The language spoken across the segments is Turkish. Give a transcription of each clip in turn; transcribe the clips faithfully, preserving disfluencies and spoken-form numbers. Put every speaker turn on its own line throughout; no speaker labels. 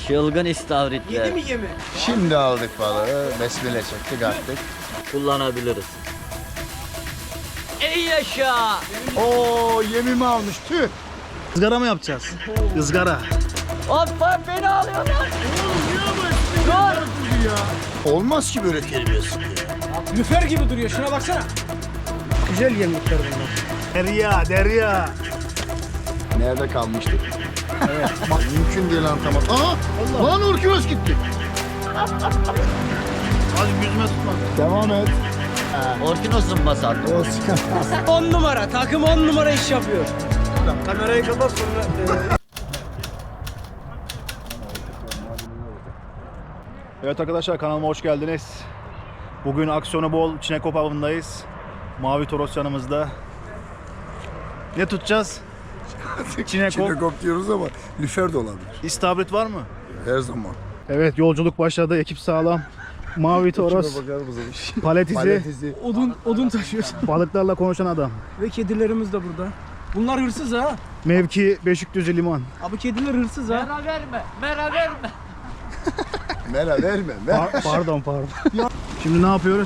Çılgın istavritler.
Yedi mi yemi?
Şimdi aldık balığı. Besmele çektik attık.
Kullanabiliriz. Ey yaşa!
Oo yemimi almış tüh.
Izgara mı yapacağız? Izgara.
Hoppa beni alıyorlar. Dur.
Olmaz ki böyle terbiyesiz.
Lüfer gibi duruyor. Şuna baksana. Güzel yemlikler bunlar.
Derya, derya.
Nerede kalmıştık? Evet. Bak mümkün değil anlamadım. Aa! Lan Orkinos gitti.
Az yüzüme tutma.
Devam et.
Orkinos'un basar.
on numara. Takım on numara iş yapıyor. Kamerayı kapat sonra.
Evet arkadaşlar, kanalıma hoş geldiniz. Bugün aksiyonu bol Çinekop avındayız. Mavi Toros yanımızda. Ne tutacağız? Çinekop.
Çinekop diyoruz ama lüfer de olabilir.
İstavrit var mı?
Her zaman.
Evet, yolculuk başladı. Ekip sağlam. Mavi Toros.
Bakar mısınız?
Palet izi.
Palet izi.
Odun, odun taşıyoruz.
Balıklarla konuşan adam.
Ve kedilerimiz de burada. Bunlar hırsız ha.
Mevki Beşikdüzü liman.
Abi kediler hırsız ha.
Mera verme, mera verme.
Mera verme. Ver.
Pa- pardon pardon. Şimdi ne yapıyoruz?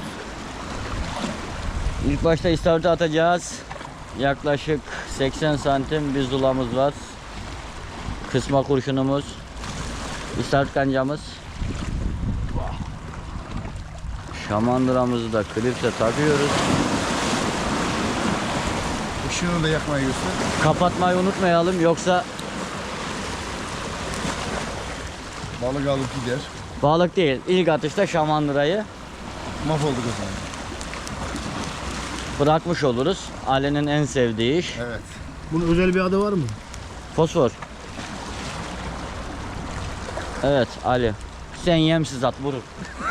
İlk başta istavriti atacağız. Yaklaşık seksen santim bir zulamız var. Kısma kurşunumuz. İstavrit kancamız. Şamandıramızı da klipse takıyoruz.
Işığını da yakmayı göster.
Kapatmayı unutmayalım, yoksa
Balık alıp gider.
balık değil. İlk atışta şamandırayı
Mahvolduk o zaman.
bırakmış oluruz. Ali'nin en sevdiği iş.
Evet.
Bunun özel bir adı var mı?
Fosfor. Evet Ali. Sen yemsiz at, vurur.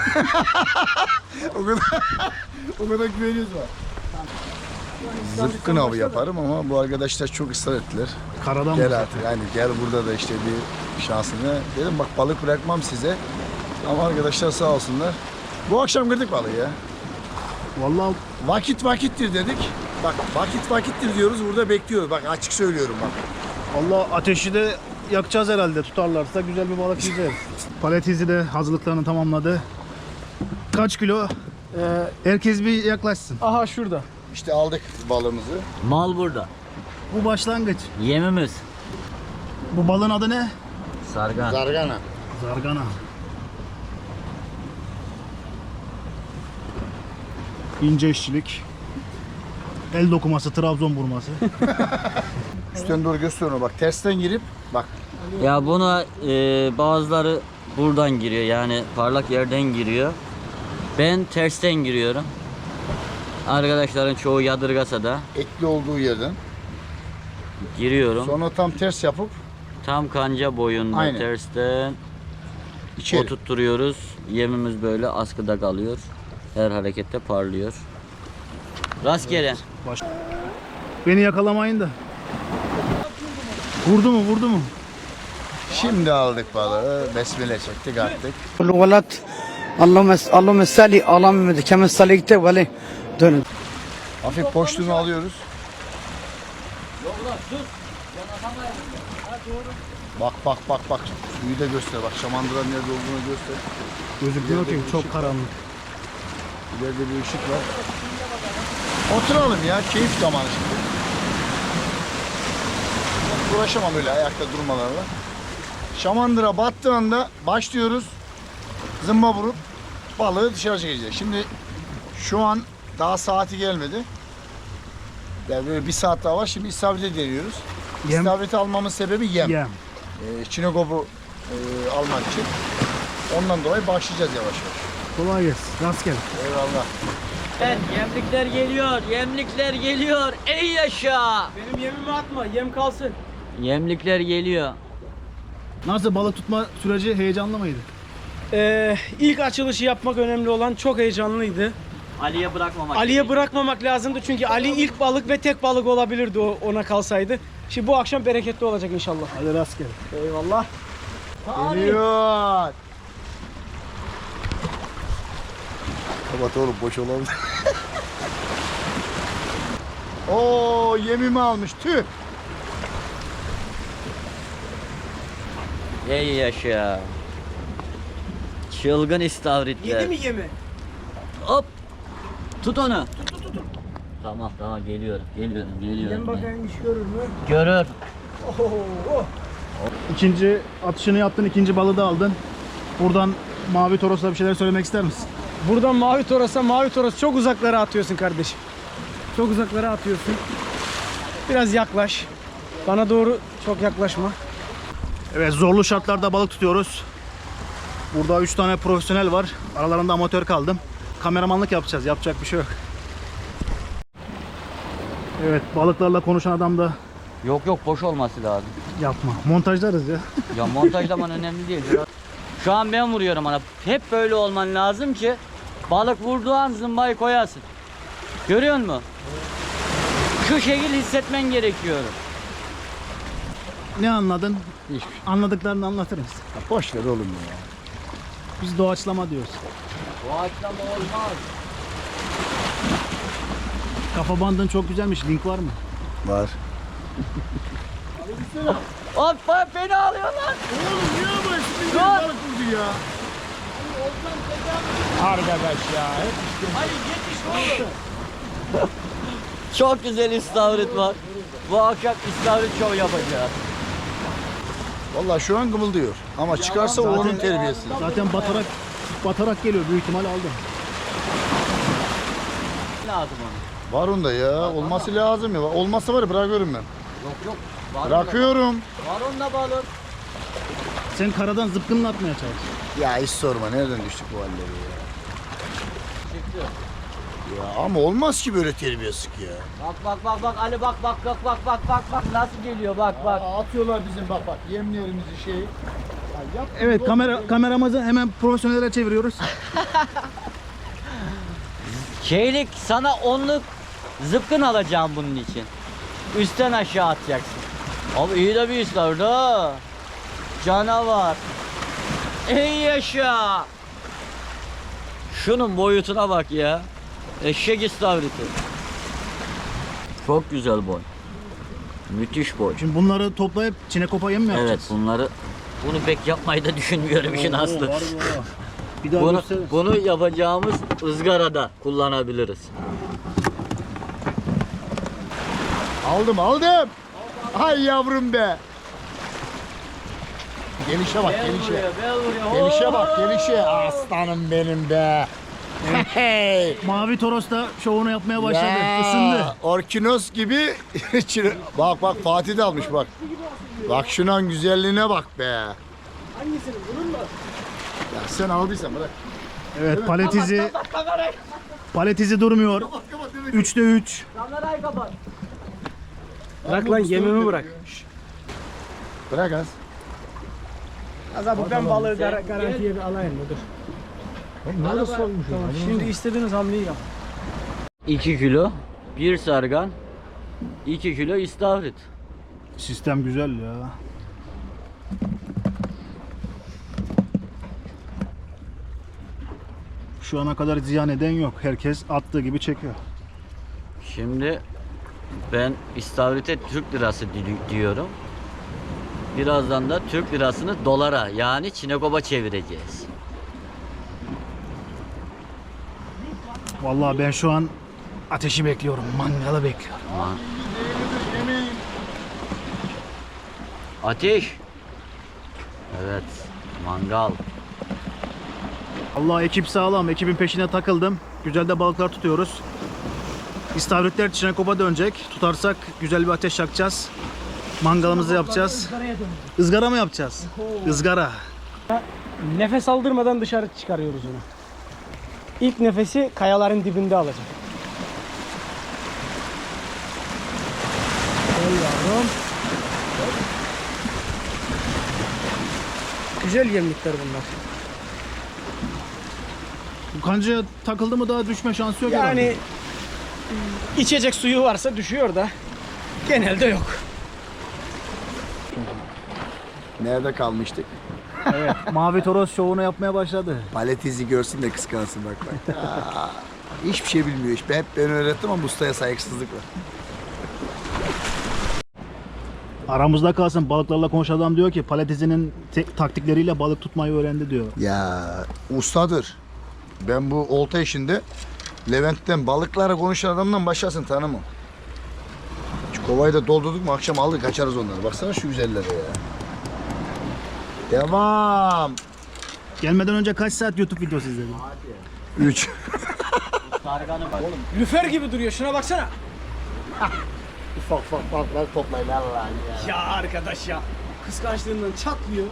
O kadar o kadar güveniyoruz var. Zıpkın avı yaparım ama bu arkadaşlar çok ısrar ettiler.
Karadan mı?
Gel artık yani gel burada da işte bir şansını. Dedim bak balık bırakmam size. Ama arkadaşlar sağ olsunlar. Bu akşam kırdık balığı ya.
Vallahi
Vakit vakittir dedik. Bak vakit vakittir diyoruz, burada bekliyoruz. Bak açık söylüyorum bak.
vallahi ateşi de yakacağız herhalde. Tutarlarsa güzel bir balık yiyeceğiz. Palet izi de hazırlıklarını tamamladı. Kaç kilo?
Ee,
Herkes bir yaklaşsın.
aha şurada.
İşte aldık balığımızı.
Mal burada.
Bu başlangıç.
Yemimiz.
Bu balığın adı ne?
Sargan.
Zargana.
Zargana. İnce işçilik. El dokuması, Trabzon burması.
Üstten doğru gösteriyorum bak, tersten girip bak.
Ya buna e, bazıları buradan giriyor, yani parlak yerden giriyor. Ben tersten giriyorum. Arkadaşların çoğu yadırgasa da
Etli olduğu yerden.
giriyorum.
Sonra tam ters yapıp
Tam kanca boyunda
Aynen.
tersten
içeri.
oturtturuyoruz. Yemimiz böyle askıda kalıyor. Her harekette parlıyor. Rastgele.
Beni yakalamayın da. Vurdu mu, vurdu mu?
Şimdi aldık balığı. Besmele çektik attık.
الولد اللهم اللهم سالي اللهم كما ساليت ولي دون
Hafif boşluğunu alıyoruz. Bak bak bak bak. Suyu da göster bak. Şamandıranın nerede olduğunu göster.
Gözükmüyor ki, çok karanlık.
İleride bir ışık var. Oturalım ya. Keyif zamanı şimdi. Uğraşamam öyle ayakta durmalarla. Şamandıra battığı anda başlıyoruz. Zımba vurup balığı dışarı çekeceğiz. Şimdi şu an daha saati gelmedi. Yani böyle bir saat daha var. Şimdi istavrite deniyoruz.
Yem.
İstavrite almamın sebebi yem.
Yem.
Ee, Çinekop'u e, almak için. Ondan dolayı başlayacağız yavaş yavaş.
Kolay gelsin. Rastgele.
Eyvallah.
Evet, yemlikler geliyor, yemlikler geliyor. Ey yaşa!
Benim yemimi atma. Yem kalsın.
Yemlikler geliyor.
Nasıl, balık tutma süreci heyecanlı mıydı?
Ee, ilk açılışı yapmak önemli olan, çok heyecanlıydı.
Ali'ye bırakmamak.
Ali'ye bırakmamak lazımdı çünkü Ali ilk balık ve tek balık olabilirdi o ona kalsaydı. Şimdi bu akşam bereketli olacak inşallah.
Hadi rastgele.
Eyvallah.
Geliyor. Kapat oğlum, boş olalım. Oo yemimi almış tüh.
Ey yaşa! Çılgın istavritler.
Yedi mi yemi?
Hop. Tut onu. Tamam tamam geliyorum. Geliyorum geliyorum.
Yem bakayım iş görür mü?
Görür.
Oho. Oh.
İkinci atışını yaptın, ikinci balığı da aldın. Buradan Mavi Toros'a bir şeyler söylemek ister misin?
Buradan Mavi Toros'a, Mavi Toros çok uzaklara atıyorsun kardeşim. Çok uzaklara atıyorsun. Biraz yaklaş. Bana doğru çok yaklaşma.
Evet, zorlu şartlarda balık tutuyoruz. Burada üç tane profesyonel var. Aralarında amatör kaldım. Kameramanlık yapacağız. Yapacak bir şey yok. Evet, balıklarla konuşan adam da
Yok yok boş olması lazım.
yapma. Montajlarız ya.
Ya montajlaman önemli değil. Biraz- Şu an ben vuruyorum ana. Hep böyle olman lazım ki balık vurduğu an zımbayı koyasın. Görüyor musun? Şu şekil hissetmen gerekiyor.
Ne anladın?
Hiçbir
Anladıklarını anlatırız.
şey. Boş ver oğlum ya.
Biz doğaçlama diyoruz.
Doğaçlama olmaz.
Kafa bandın çok güzelmiş. Link var mı?
Var.
Hoppa beni alıyorlar.
Oğlum niye ama şimdi
Dur.
balık vurdu ya? Arkadaş ya.
Çok güzel istavrit var. Bu akşam istavrit şov yapacağız.
Vallahi şu an gımıldıyor. Ama çıkarsa o onun
Zaten-
terbiyesi.
Zaten batarak batarak geliyor. Büyük ihtimal aldı.
Lazım onu.
Var onda ya. Olması lazım ya. Olmazsa var ya bırakıyorum ben.
Yok yok. Var
Bırakıyorum.
onda- Var onda balık.
Sen karadan zıpkınla atmaya çalış.
Ya hiç sorma. Nereden düştük bu halleri ya?
Çıktı.
Ya ama olmaz ki böyle terbiyesizlik ya.
Bak bak bak bak Ali bak bak bak bak bak bak bak nasıl geliyor bak bak.
Aa, atıyorlar bizim bak bak yemlerimizi şey.
Evet, kamera kameramızı hemen profesyonellere çeviriyoruz.
Şeylik sana onluk zıpkın alacağım bunun için. Üstten aşağı atacaksın. Abi iyi de bir istavrit ha. Canavar. Ey yaşa. Şunun boyutuna bak ya. Eşek istavriti. Çok güzel boy. Müthiş boy.
Şimdi bunları toplayıp Çinekopa yem mi
Evet
yapacağız?
bunları bunu pek yapmayı da düşünmüyorum işin
Oo,
aslı.
var bu ya. Bir daha
Bunu,
gösteririz.
bunu yapacağımız ızgarada kullanabiliriz.
Aldım aldım. Ay yavrum be. Gelişe bak gelişe. Gelişe bak gelişe. Aslanım benim be. Hey.
Mavi Toros da şovunu yapmaya başladı.
Ya,
Isındı.
Orkinos gibi. içine- bak bak Fatih de almış bak. Bak şunun güzelliğine bak be. Ya
Hangisini? Bunun mu?
sen aldıysan bırak.
Evet, palet izi palet izi durmuyor. üçte üç.
Kamerayı kapat.
Bırak lan yemimi bırak.
Bırak az.
Azabı ben balığı gar garantiye bir alayım mı? Dur.
Neresi olmuş?
Tamam, şimdi istediğiniz hamleyi yap.
iki kilo bir sargan, iki kilo istavrit.
Sistem güzel ya. Şu ana kadar ziyan eden yok. Herkes attığı gibi çekiyor.
Şimdi ben istavrite Türk lirası di- diyorum. Birazdan da Türk lirasını dolara yani Çinekoba çevireceğiz.
Vallahi ben şu an ateşi bekliyorum. Mangalı bekliyorum.
Aman. Ateş. Evet, mangal.
Allah ekip sağlam. Ekibin peşine takıldım. Güzel de balıklar tutuyoruz. İstavritler Çinekopa dönecek. Tutarsak güzel bir ateş yakacağız. Mangalımızı yapacağız. Izgara mı yapacağız? Izgara.
Nefes aldırmadan dışarı çıkarıyoruz onu. İlk nefesi kayaların dibinde alacak. Gel yavrum. Güzel yemlikler bunlar.
Bu kancaya takıldı mı daha düşme şansı yok herhalde.
Yani içecek suyu varsa düşüyor da genelde yok.
Nerede kalmıştık?
Evet, Mavi Toros şovunu yapmaya başladı.
Palet izi görsün de kıskansın bak bak. Aa, hiçbir şey bilmiyor işte. Hep ben öğrettim ama ustaya saygısızlık var.
Aramızda kalsın, balıklarla konuşan adam diyor ki paletizinin te- taktikleriyle balık tutmayı öğrendi diyor.
Ya ustadır. Ben bu olta işinde Levent'ten balıklara konuşan adamdan başlasın tanımam. Şu kovayı da doldurduk mu akşam aldık kaçarız onları. Baksana şu güzellere ya. Devam.
Gelmeden önce kaç saat YouTube videosu izledin?
üç.
Sarganı bak.
Lüfer gibi duruyor. Şuna baksana.
Ufak ufak balıklar toplayın Allah'ım ya.
Ya arkadaş ya. Kıskançlığından çatlıyor.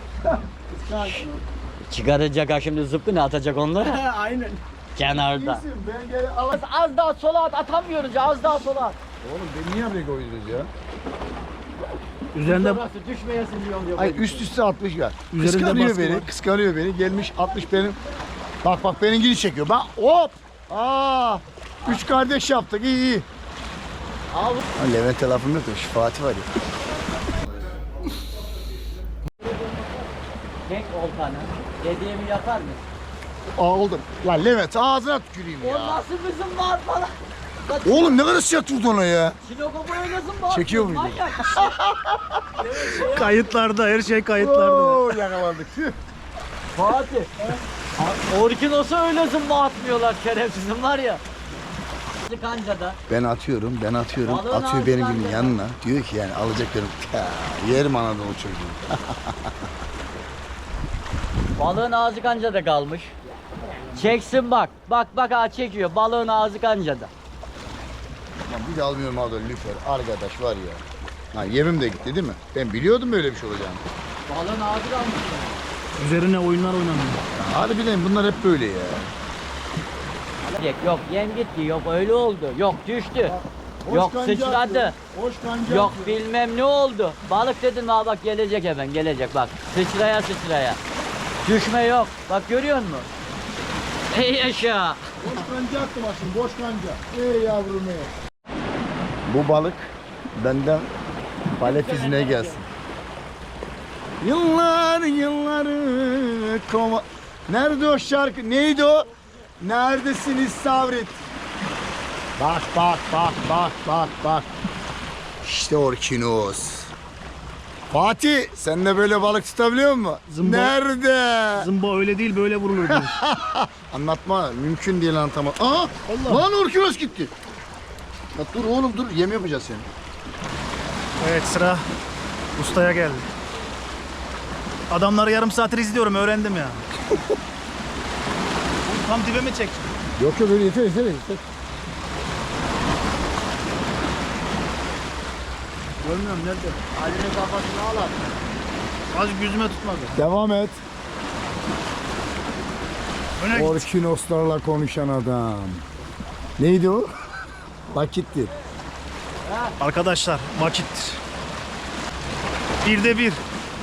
Çıkaracak ha şimdi zıpkını atacak onları.
Aynen.
Kenarda.
Ben geri al.
Az, az daha sola at, atamıyoruz ya, az daha sola at.
Oğlum ben niye buraya koyuyoruz ya?
Üzerinde
Burası düşmeyesin diyorum diyor.
Ay üst üste atmış ya.
Üzerinde
Kıskanıyor
baskı
beni,
var.
kıskanıyor beni. Gelmiş atmış benim. Bak bak benim gidi çekiyor. Bak hop. Aa! Üç kardeş yaptık. İyi iyi.
Al.
Ha, Levent'e lafım yok da şu Fatih var ya.
Çek oltanı. Dediğimi yapar mısın?
Aa oldum. Lan Levent ağzına tüküreyim
O
ya.
nasıl bir zımba at falan? Bak,
Oğlum ne kadar sıcak durdu ona ya.
Sinokop'u öyle zımba at.
Çekiyor muydu?
Manyak.
kayıtlarda, her şey kayıtlarda.
Oo yakalandık.
Fatih. Orkinos'a öyle zımba atmıyorlar şerefsizim var ya. Kancada.
Ben atıyorum, ben atıyorum.
Balığın
Atıyor benim
ağzından
gibi
gelen.
yanına. Diyor ki yani alacak benim. Ya, yerim Anadolu çocuğu.
Balığın ağzı kancada kalmış. Çeksin bak. Bak bak ha çekiyor. Balığın ağzı kancada.
Lan bir de almıyorum Anadolu lüfer. Arkadaş var ya. Ha yemim de gitti değil mi? Ben biliyordum böyle bir şey olacağını.
Balığın ağzı kalmış.
Üzerine oyunlar oynanıyor.
Ya, hadi bileyim bunlar hep böyle ya.
Yok yem gitti. Yok öyle oldu. Yok düştü. Yok sıçradı.
Hoş kanca.
Yok bilmem ne oldu. Balık dedin mi? Bak gelecek hemen gelecek bak. Sıçraya sıçraya. Düşme yok. Bak görüyor musun? Ey yaşa.
Boş kanca attım aşkım, boş kanca. Ey yavrum ey. Bu balık benden palet izine gelsin. Yıllar yılları kova... Nerede o şarkı? Neydi o? Neredesiniz Savrit? Bak bak bak bak bak bak. İşte Orkinos. Fatih sen de böyle balık tutabiliyor musun?
Zımba-
Nerede?
Zımba öyle değil, böyle vurulur diyor.
Anlatma mümkün değil anlatamam. Aa!
Allah.
Lan Orkinos gitti. Ya dur oğlum dur yem yapacağız seni.
Evet, sıra ustaya geldi. Adamları yarım saattir izliyorum, öğrendim ya. Tam dibe mi çekeceksin?
Yok yok öyle yeter yeter yeter.
Görmüyorum, nerede?
Ali'nin kafasını al at.
Az yüzüme tutmadı.
Devam et.
Öne git.
Orkinoslarla konuşan adam. Neydi o? Vakittir.
Arkadaşlar, vakittir. Birde bir.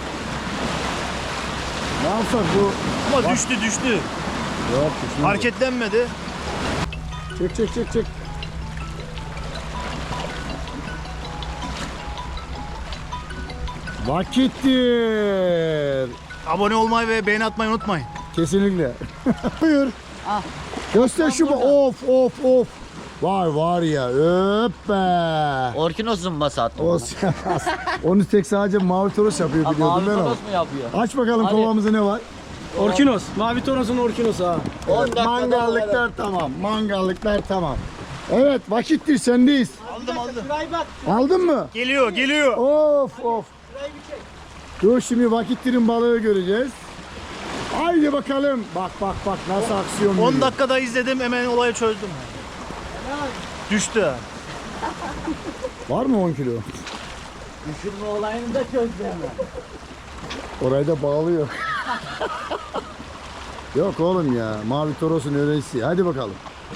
Ne yapsak bu?
Ama düştü düştü.
Yok düşmedi.
Hareketlenmedi.
Çek çek çek çek. Vakittir.
Abone olmayı ve beğeni atmayı unutmayın.
Kesinlikle. Buyur.
Ah.
Göster şu
burada.
of of of. Var var ya öp be.
Orkinos zımbası attı.
O, onu tek sadece mavi toros yapıyor
Ha,
biliyordum
mavi
ben ama.
toros mu yapıyor?
Aç bakalım
Hadi.
kovamızda ne var?
Orkinos. Mavi Toros'un Orkinos'u ha.
on dakikada
Mangallıklar tamam. Mangallıklar tamam. Evet vakittir sendeyiz.
Aldım aldım.
Aldın mı?
Geliyor geliyor.
Of of. Dur şimdi vakittirin balığı göreceğiz. Haydi bakalım. Bak bak bak nasıl aksiyon
on
veriyor.
dakikada izledim, hemen olayı çözdüm. Düştü.
Var mı on kilo?
Düşürme olayını da çözdü hemen.
Orayı da bağlıyor. Yok oğlum ya. Mavi Toros'un öğrencisi. Hadi bakalım.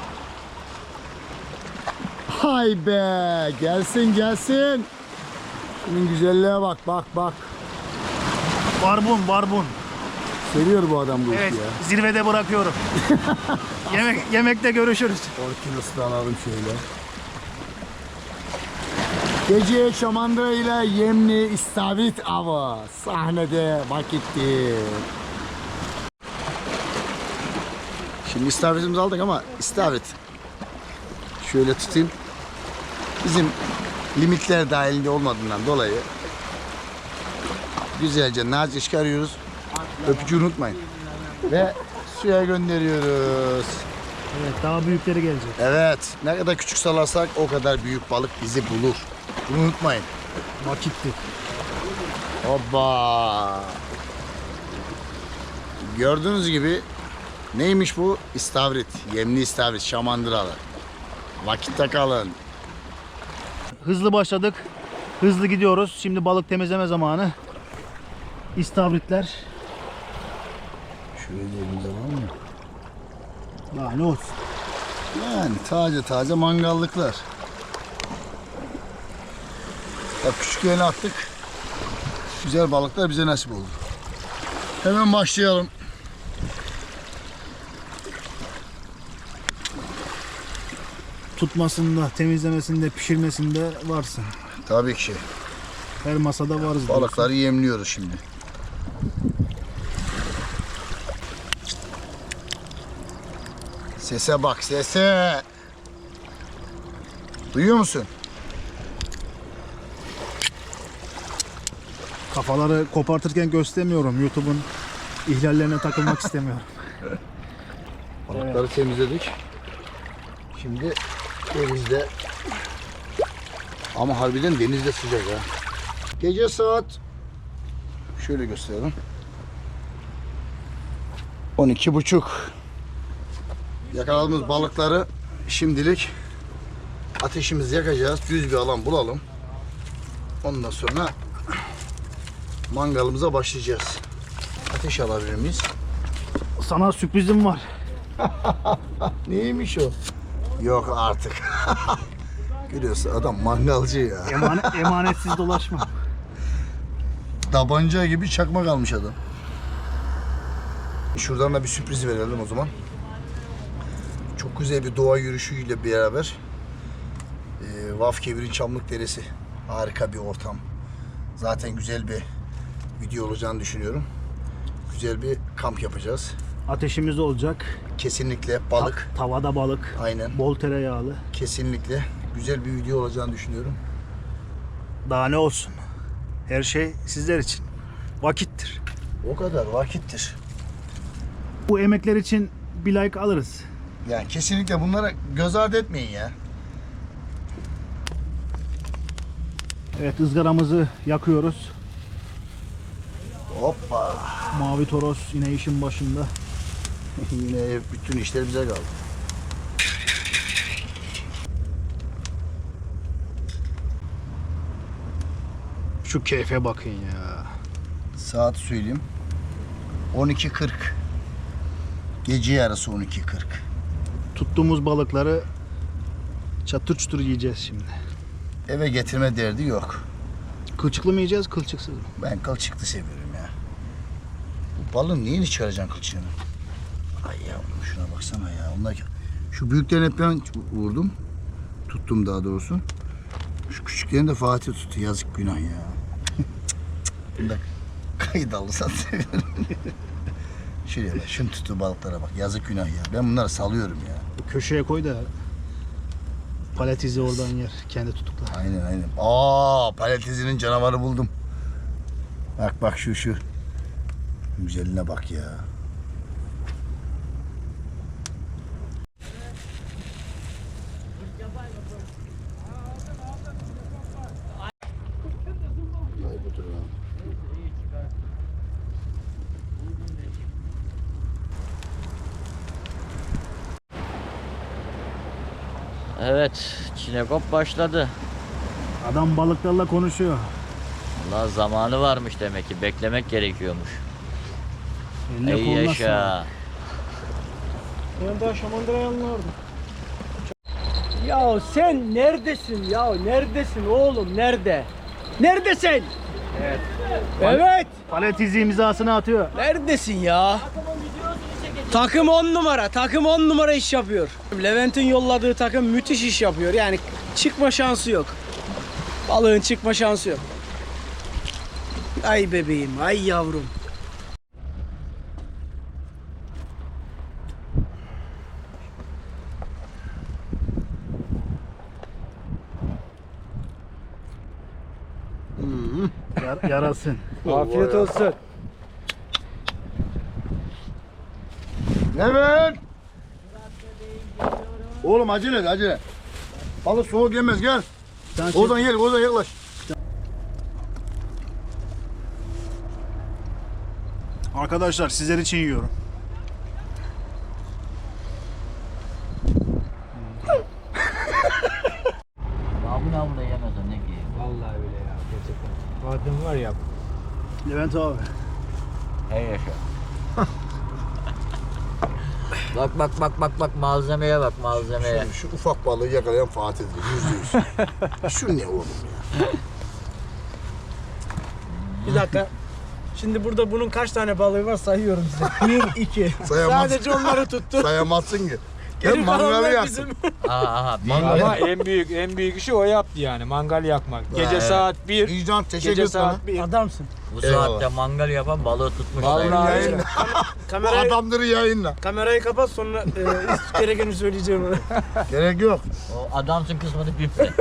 Hay be. Gelsin gelsin. Şunun güzelliğe bak bak bak.
Barbun barbun.
Seviyor bu adam bu
Evet,
işi ya.
zirvede bırakıyorum. Yemek yemekte görüşürüz.
Orkinos'u da alalım şöyle. Gece şamandıra ile yemli istavrit avı. Sahnede vakittir. Şimdi istavritimizi aldık ama istavrit. Şöyle tutayım. Bizim limitler dahilinde olmadığından dolayı güzelce nazik çıkarıyoruz. Öpücüğü unutmayın. Ve suya gönderiyoruz.
Evet, daha büyükleri gelecek.
Evet, ne kadar küçük salarsak o kadar büyük balık bizi bulur. Bunu unutmayın.
Vakitti.
Hoppa. Gördüğünüz gibi neymiş bu? İstavrit. Yemli istavrit, şamandıralı. Vakitte kalın.
Hızlı başladık. Hızlı gidiyoruz. Şimdi balık temizleme zamanı. İstavritler.
Şöyle elimize var mı?
Daha ne olsun.
Yani taze taze mangallıklar. Ya küçüklerini attık. Güzel balıklar bize nasip oldu. Hemen başlayalım.
Tutmasında, temizlemesinde, pişirmesinde varsın.
Tabii ki.
Her masada varız.
Balıkları yemliyoruz şimdi. Sese bak, sese. Duyuyor musun?
Kafaları kopartırken göstermiyorum. YouTube'un ihlallerine takılmak istemiyorum.
Balıkları temizledik. Şimdi denizde. Ama harbiden denizde sıcak ha. Gece saat şöyle gösterelim. on iki buçuk. Yakaladığımız balıkları şimdilik ateşimizi yakacağız. Düz bir alan bulalım. Ondan sonra mangalımıza başlayacağız. Ateş alabilir miyiz?
Sana sürprizim var.
Neymiş o? Yok artık. Görüyorsun adam mangalcı ya.
Emanet, emanetsiz dolaşma.
Tabanca gibi çakmak almış adam. Şuradan da bir sürpriz verelim o zaman. Çok güzel bir doğa yürüyüşüyle beraber e, Vafkevir'in Çamlık Deresi. Harika bir ortam. Zaten güzel bir video olacağını düşünüyorum. Güzel bir kamp yapacağız.
Ateşimiz olacak.
Kesinlikle balık.
Ta- tavada balık.
Aynen.
Bol tereyağlı.
Kesinlikle güzel bir video olacağını düşünüyorum.
Daha ne olsun. Her şey sizler için. Vakittir.
O kadar vakittir.
Bu emekler için bir like alırız.
Yani kesinlikle bunlara göz ardı etmeyin ya.
Evet, ızgaramızı yakıyoruz.
Hoppa.
Mavi Toros yine işin başında.
Yine bütün işler bize kaldı.
Şu keyfe bakın ya.
Saat söyleyeyim. on iki kırk. Gece yarısı on iki kırk.
Tuttuğumuz balıkları çatır çutur yiyeceğiz şimdi.
Eve getirme derdi yok.
Kılçıklı mı yiyeceğiz, kılçıksız mı?
Ben kılçıklı seviyorum ya. Bu balığın neyini çıkaracaksın kılçığını? Ay yavrum şuna baksana ya. Onlar şu büyüklerini hep ben vurdum. Tuttum daha doğrusu. Şu küçüklerini de Fatih tuttu. Yazık günah ya. Bunda kayıt alırsan seviyorum. Şuraya bak. Şunu tuttuğu balıklara bak. Yazık günah ya. Ben bunları salıyorum ya.
Köşeye koy da palet izi oradan yer. Kendi tutukla.
Aynen aynen. Aa, paletizinin canavarı buldum. Bak bak şu şu. Güzeline bak ya.
Evet, Çinekop başladı.
Adam balıklarla konuşuyor.
Allah zamanı varmış demek ki. Beklemek gerekiyormuş.
Eline
Ey
koluna
yaşa.
sağlık.
Ben daha şamandırayı anlardım. Ya sen neredesin ya? Neredesin oğlum? Nerede? Neredesin? Evet. Evet.
Palet izi imzasını atıyor.
Neredesin ya? Takım on numara. Takım on numara iş yapıyor. Levent'in yolladığı takım müthiş iş yapıyor. Yani çıkma şansı yok. Balığın çıkma şansı yok. Ay bebeğim, ay yavrum.
Yar- yarasın.
Afiyet olsun.
Levent! Oğlum acele et acele. Balık soğuk yemez gel.
Sen
Oradan gel oradan yaklaş.
Arkadaşlar sizler için yiyorum.
Abi ne burada yemezsen ne ki?
Vallahi öyle ya gerçekten. Vadin var ya.
Levent abi.
Hey yaşa. Bak bak bak bak bak malzemeye bak malzemeye.
Şu ufak balığı yakalayan Fatih'dir. Yüzde yüz. Şu ne oğlum ya?
Bir dakika. Şimdi burada bunun kaç tane balığı var sayıyorum size. Bir, iki.
Sayamaz.
Sadece onları tuttu.
Sayamazsın ki.
Geri
Hem mangalı
kalanlar
yaksın.
bizim.
Aha aha. Bir
Ama en büyük en büyük işi o yaptı yani mangal yakmak. Gece
Evet.
saat bir,
Vicdan teşekkür
gece
et bana.
saat bir.
Adamsın.
bu
Eyvallah.
saatte mangal yapan balığı tutmuş.
Vallahi
sayılır.
öyle.
Yayınla. Bu
Kamerayı,
adamları yayınla.
kamerayı kapat sonra e, gerekeni söyleyeceğim ona.
Gerek yok.
O adamsın kısmını biple.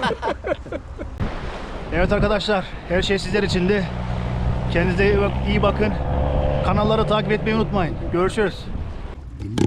Evet arkadaşlar, her şey sizler içindi. Kendinize iyi bak- iyi bakın. Kanalları takip etmeyi unutmayın. Görüşürüz.